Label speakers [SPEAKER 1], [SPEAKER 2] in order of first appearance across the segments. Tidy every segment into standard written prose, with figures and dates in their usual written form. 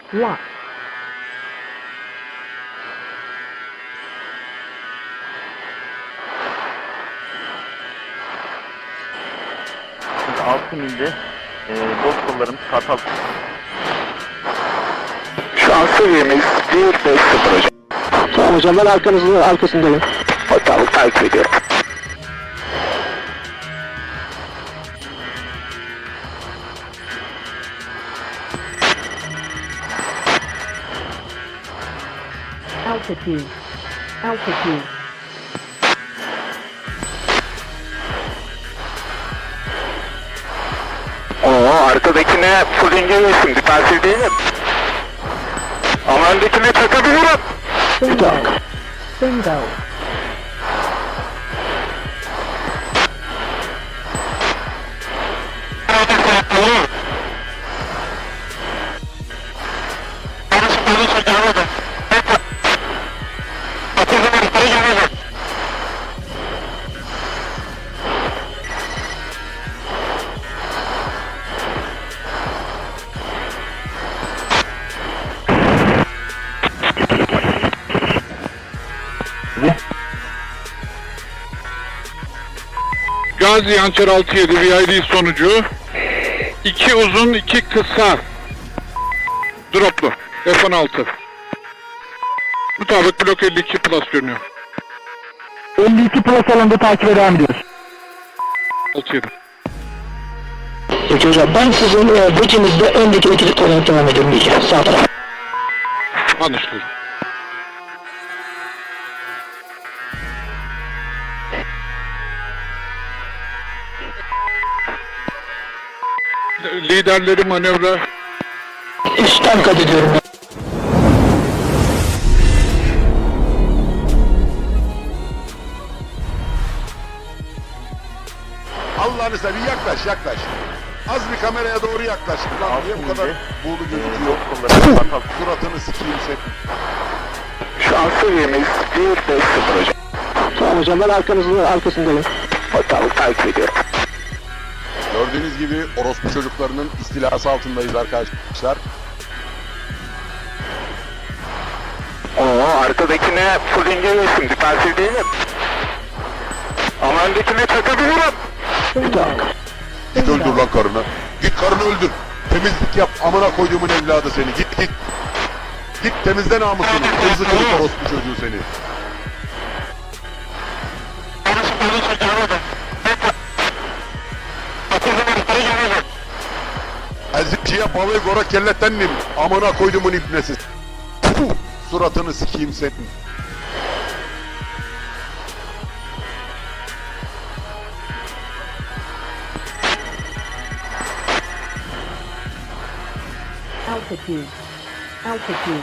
[SPEAKER 1] Lock.
[SPEAKER 2] Şimdi 6 milde bot kollarımız Kartal.
[SPEAKER 3] Şu an seviyemiz 150 hocam.
[SPEAKER 4] Tamam hocam, ben arkasındayım.
[SPEAKER 3] Tamam, takip ediyorum.
[SPEAKER 1] Altitude. Altitude.
[SPEAKER 3] Arkadakine full engellesin, defansif değilim. Ama öndekine çakabilirim.
[SPEAKER 1] Bingo. Bingo.
[SPEAKER 5] Gazi Hançer 67 VID sonucu 2 uzun 2 kısa droplu F-16 mutabık blok 52 plus görünüyor.
[SPEAKER 4] 52 plus alanda takibe devam ediyoruz.
[SPEAKER 5] 67.
[SPEAKER 4] Peki hocam, ben sizin bridge'inizde öndeki ekilik olarak devam ediyorum diyeceğim. Sağ taraf.
[SPEAKER 5] Anlaşıldı. Liderleri manevra.
[SPEAKER 4] Üstten kat ediyorum.
[SPEAKER 6] Allah'ını seveyim, yaklaş. Az bir kameraya doğru yaklaş. Lan niye bu kadar buğulu gözüküyor?
[SPEAKER 2] Bot kollarımız Kartal.
[SPEAKER 6] Suratını sikeyim sen.
[SPEAKER 3] Şu an seviyemiz 150 hocam.
[SPEAKER 4] Tamam hocam, ben arkasındayım.
[SPEAKER 3] Tamam, takip ediyorum.
[SPEAKER 6] Gördüğünüz gibi orospu çocuklarının istilası altındayız arkadaşlar.
[SPEAKER 3] Arkadakine full engellesin, defansif değilim. Ama öndekine çakabilirim.
[SPEAKER 1] Bingo.
[SPEAKER 6] Git öldür lan karını. Git karını öldür. Temizlik yap, amına koyduğumun evladı seni. Git. Git temizle namusunu. Hızlı kırık orospu çocuğu seni. Ezikçiye balığı gora kellettendim. Amına koyduğumun ibnesi. Puh, suratını sikeyim senin.
[SPEAKER 1] Altitude. Altitude.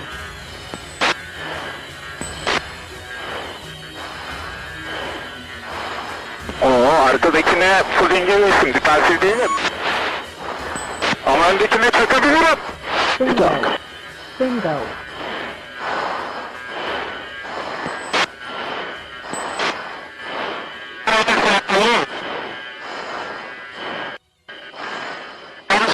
[SPEAKER 3] Arkadakine full engellesin, defansif değilim. Ama öndekine çakabilirim.
[SPEAKER 1] Bingo. Bingo.